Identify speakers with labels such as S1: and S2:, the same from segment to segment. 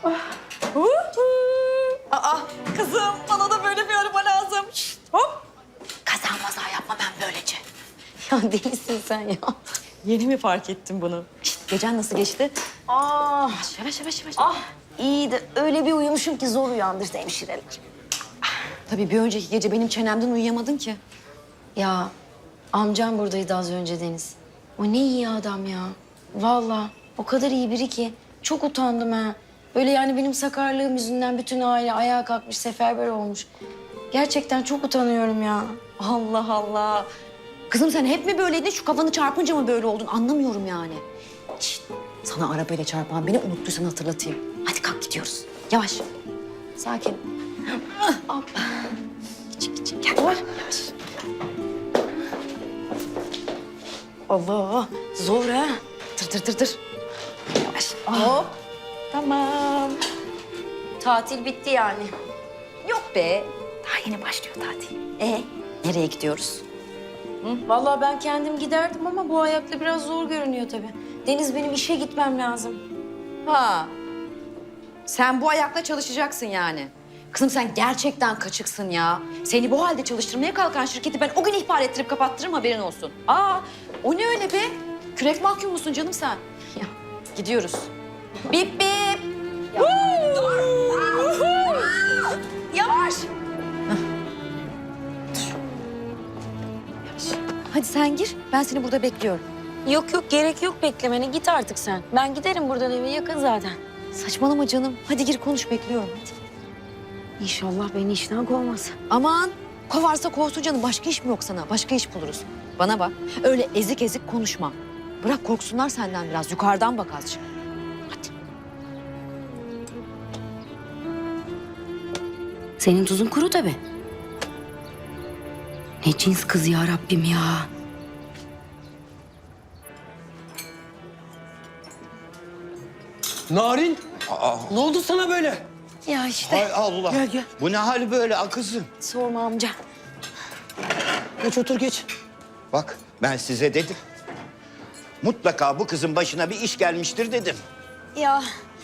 S1: Aa, kızım bana da böyle bir araba lazım. Şişt, hop.
S2: Kaza maza yapma ben böylece. Ya delisin sen ya.
S1: Yeni mi fark ettin bunu?
S2: Şişt, gecen nasıl geçti?
S1: Yavaş yavaş yavaş yavaş.
S2: İyi de öyle bir uyumuşum ki zor uyandırdı hemşireler.
S1: Tabii bir önceki gece benim çenemden uyuyamadın ki.
S2: Ya amcam buradaydı az önce Deniz. O ne iyi adam ya. Vallahi o kadar iyi biri ki. Çok utandım ha. Böyle yani benim sakarlığım yüzünden bütün aile ayağa kalkmış, seferber olmuş. Gerçekten çok utanıyorum ya.
S1: Allah Allah. Kızım sen hep mi böyleydin? Şu kafanı çarpınca mı böyle oldun? Anlamıyorum yani. Şişt, sana arabayla çarpan beni unuttuysan hatırlatayım. Hadi kalk gidiyoruz. Yavaş. Sakin. Hop. Küçük gel. Yavaş.
S2: Allah zor ha.
S1: Tır. Yavaş. Hop. Tamam.
S2: Tatil bitti yani.
S1: Yok be. Daha yeni başlıyor tatil. Nereye gidiyoruz?
S2: Vallahi ben kendim giderdim ama bu ayakta biraz zor görünüyor tabii. Deniz benim işe gitmem lazım.
S1: Ha. Sen bu ayakla çalışacaksın yani. Kızım sen gerçekten kaçıksın ya. Seni bu halde çalıştırmaya kalkan şirketi ben o gün ihbar ettirip kapattırırım haberin olsun. O ne öyle be? Kürek mahkum musun canım sen? Ya gidiyoruz. Bip bip. Yavaş. Hadi sen gir. Ben seni burada bekliyorum.
S2: Yok gerek yok beklemene. Git artık sen. Ben giderim buradan eve yakın zaten.
S1: Saçmalama canım. Hadi gir konuş bekliyorum hadi.
S2: İnşallah beni işten kovmaz.
S1: Aman kovarsa kovsun canım. Başka iş mi yok sana? Başka iş buluruz. Bana bak. Öyle ezik ezik konuşma. Bırak korksunlar senden biraz. Yukarıdan bak azıcık. Hadi.
S2: Senin tuzun kuru tabii. Ne cins kız ya Rabbim ya.
S3: Narin, ne oldu sana böyle?
S2: Ya işte.
S4: Hay Allah.
S3: Gel.
S4: Bu ne hal böyle akızım?
S2: Sorma amca.
S3: Geç otur geç.
S4: Bak ben size dedim. Mutlaka bu kızın başına bir iş gelmiştir dedim.
S2: Ya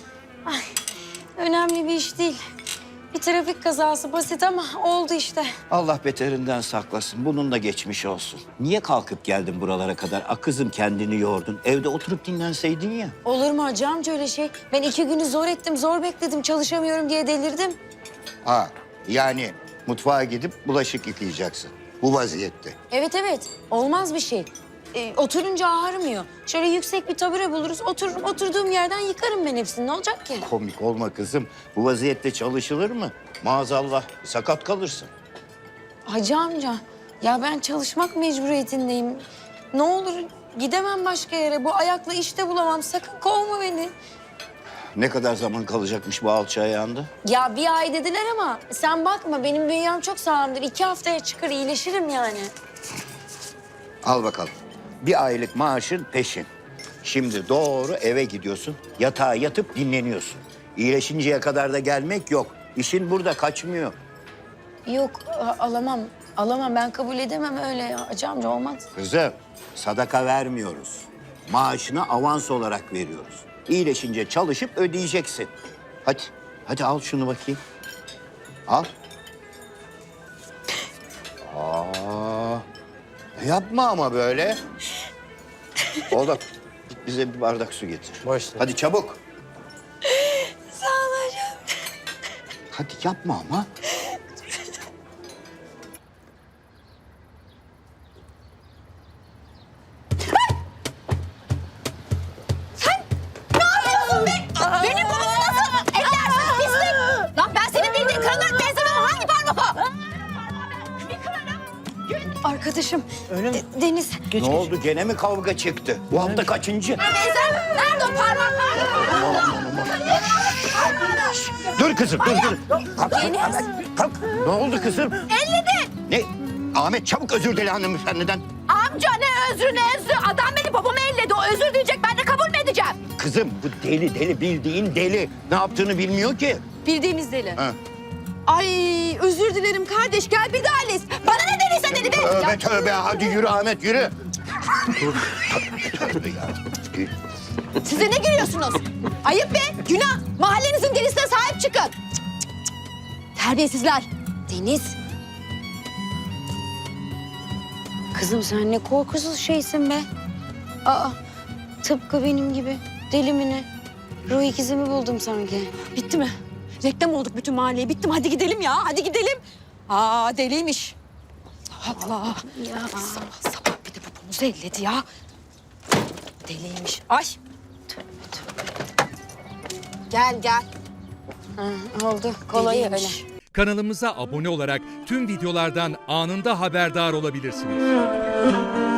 S2: önemli bir iş değil. Bir trafik kazası basit ama oldu işte.
S4: Allah beterinden saklasın. Bunun da geçmiş olsun. Niye kalkıp geldin buralara kadar? Akızım kendini yordun. Evde oturup dinlenseydin ya.
S2: Olur mu hacı amca öyle şey? Ben 2 günü zor ettim, zor bekledim. Çalışamıyorum diye delirdim.
S4: Ha yani mutfağa gidip bulaşık yıkayacaksın. Bu vaziyette.
S2: Evet. Olmaz bir şey. Oturunca ağrımıyor. Şöyle yüksek bir tabure buluruz. Otururum, oturduğum yerden yıkarım ben hepsini. Ne olacak ki?
S4: Komik olma kızım. Bu vaziyette çalışılır mı? Maazallah sakat kalırsın.
S2: Hacı amca, ya ben çalışmak mecburiyetindeyim. Ne olur gidemem başka yere. Bu ayakla işte bulamam. Sakın kovma beni.
S4: Ne kadar zaman kalacakmış bu alçı ayağında?
S2: Ya bir ay dediler ama sen bakma. Benim bünyem çok sağlamdır. 2 haftaya çıkar, iyileşirim yani.
S4: Al bakalım. Bir aylık maaşın peşin. Şimdi doğru eve gidiyorsun. Yatağa yatıp dinleniyorsun. İyileşinceye kadar da gelmek yok. İşin burada kaçmıyor.
S2: Yok, alamam. Alamam. Ben kabul edemem öyle ya. Hacı amca olmaz.
S4: Kızım, sadaka vermiyoruz. Maaşını avans olarak veriyoruz. İyileşince çalışıp ödeyeceksin. Hadi al şunu bakayım. Al. Yapma ama böyle. Oğlum, git bize bir bardak su getir.
S3: Başla.
S4: Hadi çabuk.
S2: Sağ ol hocam.
S4: Hadi yapma ama.
S1: Benim kolumu nasıl ellersin pislik? Lan ben senin bildiğin karına benzemem. Hangi parmak o? Arkadaşım Deniz.
S4: Ne oldu? Gene mi kavga çıktı? Bu hafta kaçıncı?
S1: Benzem. Nerede o parmak?
S4: Dur kızım, dur. Kalk. Ne oldu kızım?
S1: Elledin.
S4: Ne? Ahmet çabuk özür dile hanımefendiden.
S1: Amca ne özrü. Adam beni babamı elledi. O özür diyecek. Ben de kabul mü edeceğim?
S4: Kızım bu deli bildiğin deli. Ne yaptığını bilmiyor ki.
S1: Bildiğimiz deli.
S4: Ha.
S1: Ay özür dilerim kardeş. Gel bir daha les. Bana ne dediyse dedi be.
S4: Tövbe hadi yürü Ahmet yürü. Tövbe ya.
S1: Size ne gülüyorsunuz? Ayıp be. Günah. Mahallenizin delisi Terbiyesizler.
S2: Deniz. Kızım sen ne korkusuz şeysin be. Aa, tıpkı benim gibi. Deli mi ne? Ruh ikizimi buldum sanki.
S1: Bitti mi? Reklam olduk bütün mahalleye. Bitti mi? Hadi gidelim ya. Hadi gidelim. Aa deliymiş. Allah Allah.
S2: Ya.
S1: Sabah sabah bir de popumuzu elledi ya. Deliymiş. Ay. Gel gel.
S2: Ha, oldu. Kolay öyle.
S1: Deliymiş.
S5: Kanalımıza abone olarak tüm videolardan anında haberdar olabilirsiniz.